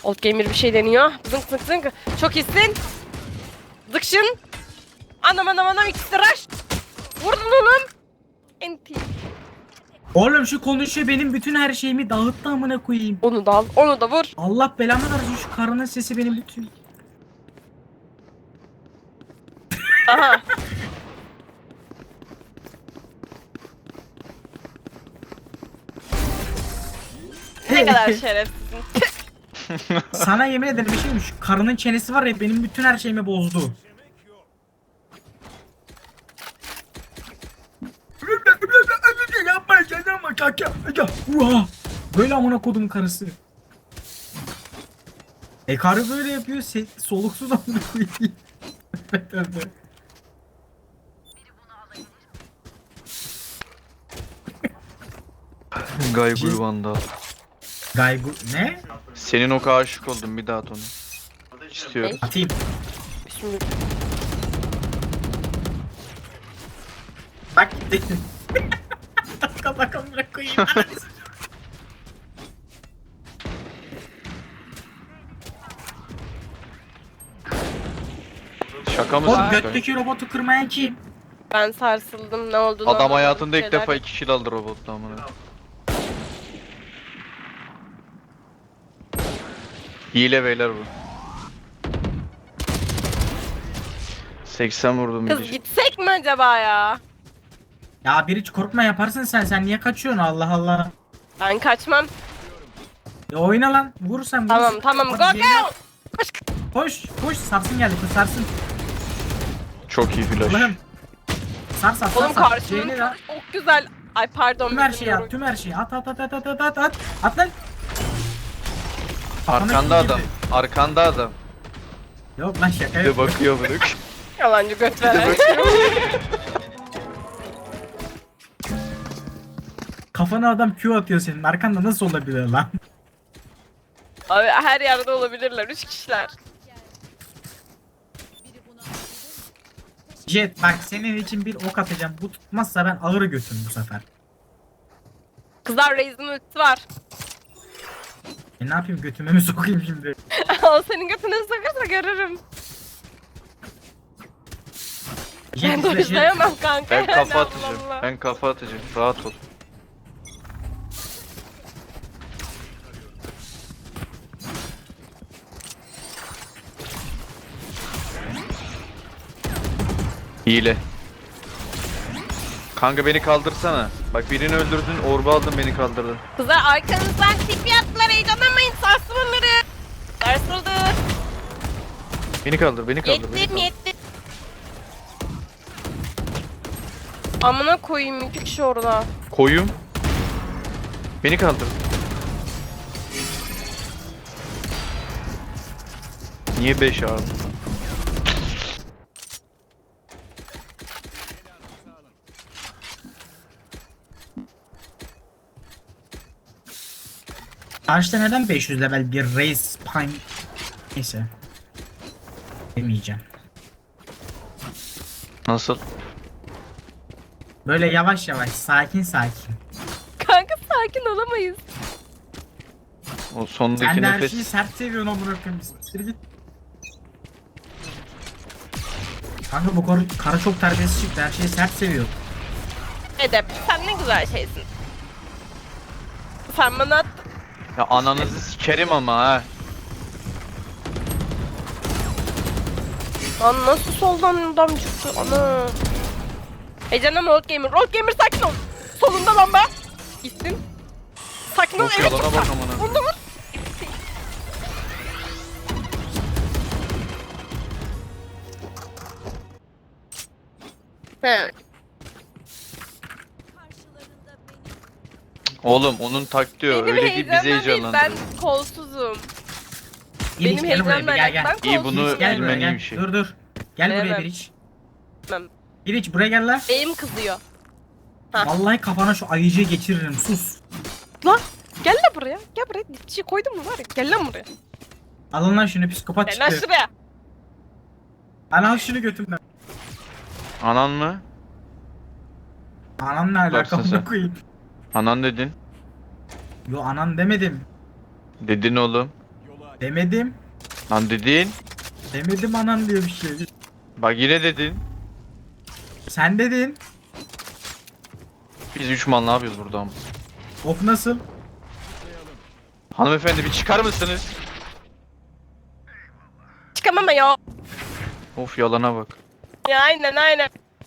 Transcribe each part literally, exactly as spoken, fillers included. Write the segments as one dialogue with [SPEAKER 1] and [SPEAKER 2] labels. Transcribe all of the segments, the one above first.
[SPEAKER 1] Old Gamer bir şey deniyor. Zınk zınk zınk. Çok iyisin. Zıkşın. Anam anam anam ikisi rush. Vurdun oğlum. Enti.
[SPEAKER 2] Oğlum şu konuşuyor benim bütün her şeyimi dağıttı amına koyayım.
[SPEAKER 1] Onu da al. Onu da vur.
[SPEAKER 2] Allah belamı versin şu karının sesi benim bütün.
[SPEAKER 1] Aha. Ne kadar şerefsizsin.
[SPEAKER 2] Sana yemin ederim bir şeymiş. Şu karının çenesi var ya benim bütün her şeyimi bozdu. Yapma yapma kaka. Böyle amına kodum karısı. E karı böyle yapıyor, se- soluksuz amına koyayım.
[SPEAKER 3] Gaygur Vandal.
[SPEAKER 2] Gaygu ne?
[SPEAKER 3] Senin o kadar aşık oldum, bir daha at onu. İstiyorum.
[SPEAKER 2] Atayım.
[SPEAKER 1] Şimdi
[SPEAKER 2] Bak gitti. Bak bak amına koyayım.
[SPEAKER 3] Şaka
[SPEAKER 2] Oğlum
[SPEAKER 3] mısın?
[SPEAKER 2] götteki robotu kırmayan kim?
[SPEAKER 1] ben sarsıldım ne olduğunu
[SPEAKER 3] Adam
[SPEAKER 1] anlamadım.
[SPEAKER 3] hayatında ilk
[SPEAKER 1] Şeyler-
[SPEAKER 3] defa iki kill aldı robotla amına. Hile beyler bu. seksen vurdum
[SPEAKER 1] Kız
[SPEAKER 3] bir.
[SPEAKER 1] gitsek mi acaba ya?
[SPEAKER 2] Ya bir hiç korkma yaparsın sen. Sen niye kaçıyorsun Allah Allah.
[SPEAKER 1] Ben kaçmam.
[SPEAKER 2] Ya oyna lan. Vur sen vur.
[SPEAKER 1] Tamam tamam go
[SPEAKER 2] Hadi
[SPEAKER 1] go.
[SPEAKER 2] yeni-
[SPEAKER 1] Koş.
[SPEAKER 2] Koş koş sarsın geldi kız sarsın.
[SPEAKER 3] Çok iyi flash.
[SPEAKER 2] Allah'ım. Sar sar sar.
[SPEAKER 1] Oğlum
[SPEAKER 2] sar.
[SPEAKER 1] karşımın
[SPEAKER 2] Şeyini de at.
[SPEAKER 1] çok güzel. Ay pardon.
[SPEAKER 2] Tüm her
[SPEAKER 1] bizim
[SPEAKER 2] şeyi
[SPEAKER 1] yorum-
[SPEAKER 2] at. Tüm her şeyi at at at at at at at at. At lan. Kafana
[SPEAKER 3] Arkanda
[SPEAKER 2] kim
[SPEAKER 3] adam.
[SPEAKER 2] girdi?
[SPEAKER 3] Arkanda adam.
[SPEAKER 2] Yok lan şaka
[SPEAKER 3] Bir de
[SPEAKER 2] yok.
[SPEAKER 3] bakıyor bırak.
[SPEAKER 1] Yalancı göt veren.
[SPEAKER 2] Kafana adam Q atıyor senin. Arkanda nasıl olabilir lan?
[SPEAKER 1] Abi her yerde olabilirler. Üç kişiler.
[SPEAKER 2] Jet bak senin için bir ok atacağım. Bu tutmazsa ben ağır götüm bu sefer.
[SPEAKER 1] Kızlar Raze'in ultisi var.
[SPEAKER 2] E ne yapayım götüme mi sokayım şimdi?
[SPEAKER 1] O senin götüne sokarsa görürüm.
[SPEAKER 2] Jet
[SPEAKER 1] Ben
[SPEAKER 2] izle, Jet.
[SPEAKER 1] dojlayamam kanka.
[SPEAKER 3] Ben
[SPEAKER 1] yani,
[SPEAKER 3] kafa
[SPEAKER 1] Allah
[SPEAKER 3] atacağım.
[SPEAKER 1] Allah.
[SPEAKER 3] Ben kafa atacağım. Rahat ol. Hile. Kanka beni kaldırsana. Bak birini öldürdün, orba aldın, beni kaldırdın.
[SPEAKER 1] Kızlar arkanızdan tip yaptılar. Heyecanlanmayın. Sarsın onları. Sarsıldı.
[SPEAKER 3] Beni kaldır, beni kaldır. beni
[SPEAKER 1] Yettim
[SPEAKER 3] kaldır.
[SPEAKER 1] yettim. Amına koyayım iki kişi orada.
[SPEAKER 3] Koyum. Beni kaldır. Niye beş abi?
[SPEAKER 2] Karşıda neden beş yüz level bir race pine? Neyse. Demeyeceğim.
[SPEAKER 3] Nasıl?
[SPEAKER 2] Böyle yavaş yavaş sakin sakin.
[SPEAKER 1] Kanka sakin olamayız.
[SPEAKER 3] O sondaki
[SPEAKER 2] Sen de her
[SPEAKER 3] nefes.
[SPEAKER 2] şeyi sert seviyorsun amına koyayım. Siktir git. Kanka bu karı, karı çok terbiyesiz çıktı. Her şeyi sert seviyor.
[SPEAKER 1] Edep sen ne güzel şeysin. Sen bana at.
[SPEAKER 3] Ya ananızı sikerim ama ha.
[SPEAKER 1] Lan nasıl soldan adam çıktı ana. Heyecanım Old Gamer. Old Gamer sakin ol. Solunda lan be. İstin. Sakin ol.
[SPEAKER 3] Of
[SPEAKER 1] Evet.
[SPEAKER 3] yalana bak amına.
[SPEAKER 1] Onu da vur. He.
[SPEAKER 3] Oğlum onun taktiği o.
[SPEAKER 1] Benim
[SPEAKER 3] Öyle değil bizi
[SPEAKER 1] heyecandan değil. Ben
[SPEAKER 3] heyecanlandırıyor.
[SPEAKER 1] kolsuzum.
[SPEAKER 2] İliç,
[SPEAKER 1] Benim
[SPEAKER 2] gel buraya
[SPEAKER 1] heyecanım
[SPEAKER 2] bir, gel gel.
[SPEAKER 1] ben
[SPEAKER 3] İyi, bunu
[SPEAKER 1] kolsuzum.
[SPEAKER 2] Gel buraya
[SPEAKER 3] bilmen iyi
[SPEAKER 2] gel.
[SPEAKER 3] bir şey.
[SPEAKER 2] Dur dur. Gel buraya
[SPEAKER 1] Gelemem.
[SPEAKER 2] bir iç.
[SPEAKER 1] Gelemem.
[SPEAKER 2] Bir iç buraya gel lan.
[SPEAKER 1] Beyim kızıyor. Ha.
[SPEAKER 2] Vallahi kafana şu ayıcıyı geçiririm sus.
[SPEAKER 1] Lan gel lan buraya. Gel buraya. Dipçiyi koydum mu var ya. Gel lan buraya.
[SPEAKER 2] Alın lan şunu psikopat
[SPEAKER 1] Gel lan
[SPEAKER 2] çıktı.
[SPEAKER 1] şuraya.
[SPEAKER 2] Lan al şunu götümden.
[SPEAKER 3] Anan mı?
[SPEAKER 2] Anam ne alaka
[SPEAKER 3] Baksana sen.
[SPEAKER 2] bunu koyayım.
[SPEAKER 3] Anan dedin.
[SPEAKER 2] Yo anan demedim.
[SPEAKER 3] Dedin oğlum.
[SPEAKER 2] Demedim.
[SPEAKER 3] Lan dedin.
[SPEAKER 2] Demedim anan diye bir şey.
[SPEAKER 3] Bak yine dedin.
[SPEAKER 2] Sen dedin.
[SPEAKER 3] Biz üç man ne yapıyoruz burada ama?
[SPEAKER 2] Of nasıl?
[SPEAKER 3] Hanımefendi bir çıkar mısınız?
[SPEAKER 1] Çıkamam ya.
[SPEAKER 3] Of yalana bak.
[SPEAKER 1] Ya aynen aynen.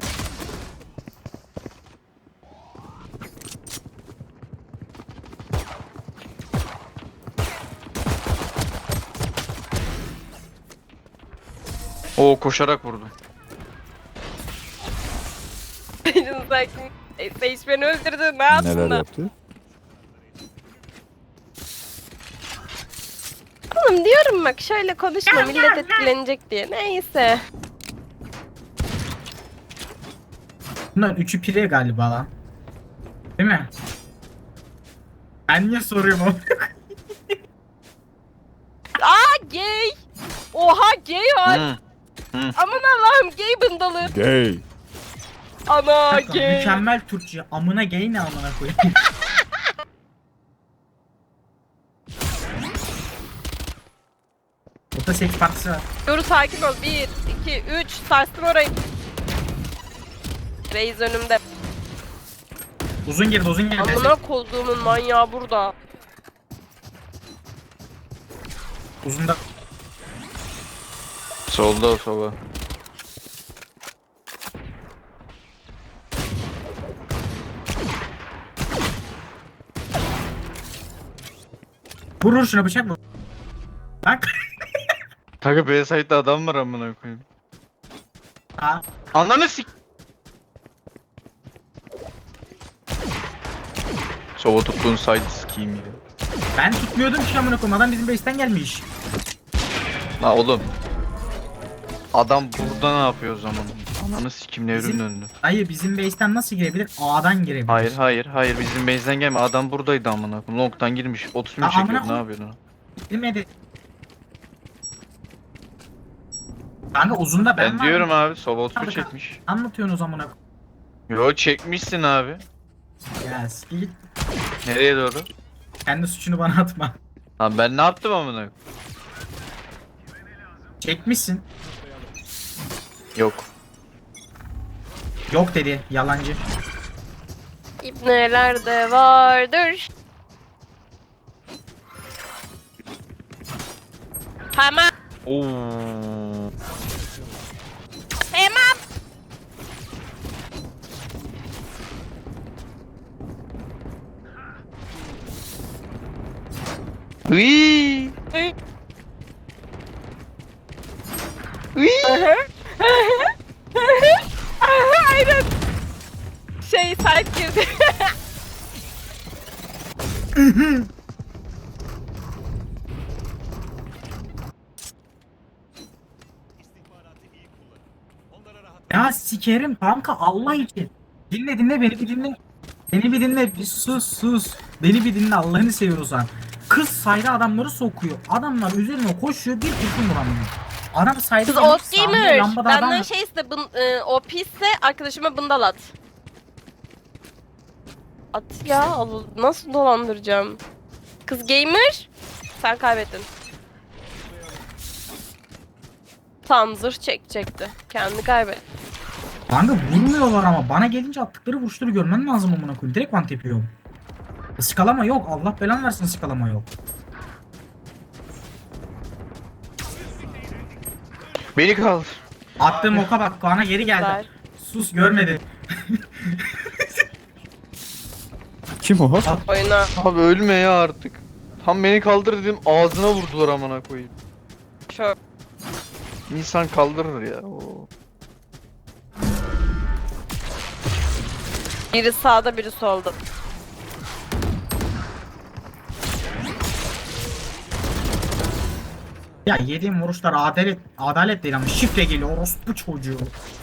[SPEAKER 3] Oo koşarak vurdu.
[SPEAKER 1] Canım sakin. E, Sage beni öldürdü. Ne yapsın
[SPEAKER 4] Neler
[SPEAKER 1] da?
[SPEAKER 4] yaptı?
[SPEAKER 1] Oğlum diyorum bak şöyle konuşma millet etkilenecek diye. Neyse.
[SPEAKER 2] Bunlar üçü pire galiba lan. Değil mi? Ben niye soruyorum onu?
[SPEAKER 1] Aa gay. Oha gay var.
[SPEAKER 3] Hı.
[SPEAKER 1] Aman Allah'ım gay bındalı.
[SPEAKER 4] Gay.
[SPEAKER 1] Ana gay.
[SPEAKER 2] Mükemmel Türkçe. Amına gay ne amına koyayım. Burada seks partisi var.
[SPEAKER 1] Yoru sakin ol. Bir, iki, üç. Sarstım orayı. Reis önümde.
[SPEAKER 2] Uzun girdi uzun girdi.
[SPEAKER 1] Amına koduğumun manyağı burada.
[SPEAKER 2] Uzun da.
[SPEAKER 3] Solda o sola.
[SPEAKER 2] Vurur şuna bıçak vur. Bak.
[SPEAKER 3] Kanka B site'da adam var amına koyayım.
[SPEAKER 2] Ha.
[SPEAKER 3] Ananı sik. Sova tuttuğun site sikiyim ya.
[SPEAKER 2] Ben tutmuyordum ki amına koyayım. Adam bizim base'ten gelmiş.
[SPEAKER 3] La oğlum. Adam burada ne yapıyor o zaman? Ananı sikim nevrim
[SPEAKER 2] Bizim-
[SPEAKER 3] döndü.
[SPEAKER 2] Hayır bizim base'ten nasıl girebilir? A'dan girebilir.
[SPEAKER 3] Hayır hayır hayır bizim base'den gelme. Adam buradaydı amına koyayım. Long'tan girmiş. otuz mu
[SPEAKER 2] Aa, amına
[SPEAKER 3] çekiyor? Ne
[SPEAKER 2] koy-
[SPEAKER 3] yapıyorsun?
[SPEAKER 2] Girmedi. Kanka uzunda ben,
[SPEAKER 3] Ben
[SPEAKER 2] varım.
[SPEAKER 3] diyorum abi Sova otuz
[SPEAKER 2] Hadi
[SPEAKER 3] çekmiş.
[SPEAKER 2] Anlatıyorsun o zamana.
[SPEAKER 3] Yo çekmişsin abi.
[SPEAKER 2] Ya ski git.
[SPEAKER 3] Nereye doğru?
[SPEAKER 2] Kendi suçunu bana atma.
[SPEAKER 3] Lan ben ne yaptım amına koyayım?
[SPEAKER 2] Çekmişsin.
[SPEAKER 3] Yok.
[SPEAKER 2] Yok dedi. Yalancı.
[SPEAKER 1] İbneler de vardır. Hemen.
[SPEAKER 3] Oo.
[SPEAKER 1] Hemen.
[SPEAKER 3] Hıy.
[SPEAKER 1] Hı.
[SPEAKER 3] Hıy.
[SPEAKER 1] Aha. Aha, aynen. Şey site girdi.
[SPEAKER 2] Ya sikerim kanka Allah için. Dinle dinle beni bir dinle. Beni bir dinle bir sus sus. Beni bir dinle Allah'ını seviyorsan. Kız sayda adamları sokuyor. Adamlar üzerine koşuyor bir kurşun vuramıyor. Adam sayda
[SPEAKER 1] Kız
[SPEAKER 2] gelip
[SPEAKER 1] ot
[SPEAKER 2] sağında
[SPEAKER 1] gamer.
[SPEAKER 2] lambada adam
[SPEAKER 1] Benden
[SPEAKER 2] var.
[SPEAKER 1] şeyse bın, e, O P ise arkadaşıma bındal at. At ya. Allah, nasıl dolandıracağım? Kız gamer. Sen kaybettin. Tam zırh çekecekti. Kendi kaybetti.
[SPEAKER 2] Kanka vurmuyorlar ama bana gelince attıkları vuruşları görmen lazım amına koyayım. Direkt one tap yiyorum. Iskalama yok. Allah belanı versin ıskalama yok.
[SPEAKER 3] Beni kaldır.
[SPEAKER 2] Attığım oka bak Kaan'a geri geldi.
[SPEAKER 1] Ver.
[SPEAKER 2] Sus görmedi.
[SPEAKER 4] Kim o?
[SPEAKER 1] Oyuna.
[SPEAKER 3] Abi ölme ya artık. Tam beni kaldır dedim ağzına vurdular amına koyayım.
[SPEAKER 1] Çok.
[SPEAKER 3] İnsan kaldırır ya. Oo.
[SPEAKER 1] Biri sağda biri solda.
[SPEAKER 2] Ya yediğim vuruşlar adalet adalet değil ama şifre geliyor orospu çocuğu.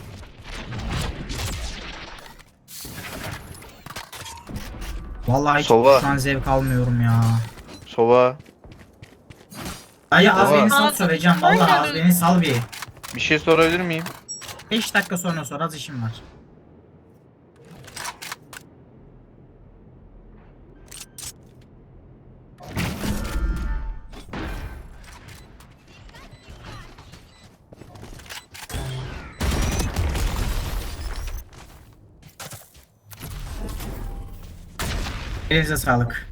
[SPEAKER 2] Vallahi hiç
[SPEAKER 3] Sova.
[SPEAKER 2] şu an zevk almıyorum ya.
[SPEAKER 3] Sova.
[SPEAKER 2] Dayı az
[SPEAKER 3] Sova.
[SPEAKER 2] beni sal söyleyeceğim vallahi az beni sal bir.
[SPEAKER 3] Bir şey sorabilir miyim?
[SPEAKER 2] beş dakika sonra sor az işim var. Elinize sağlık.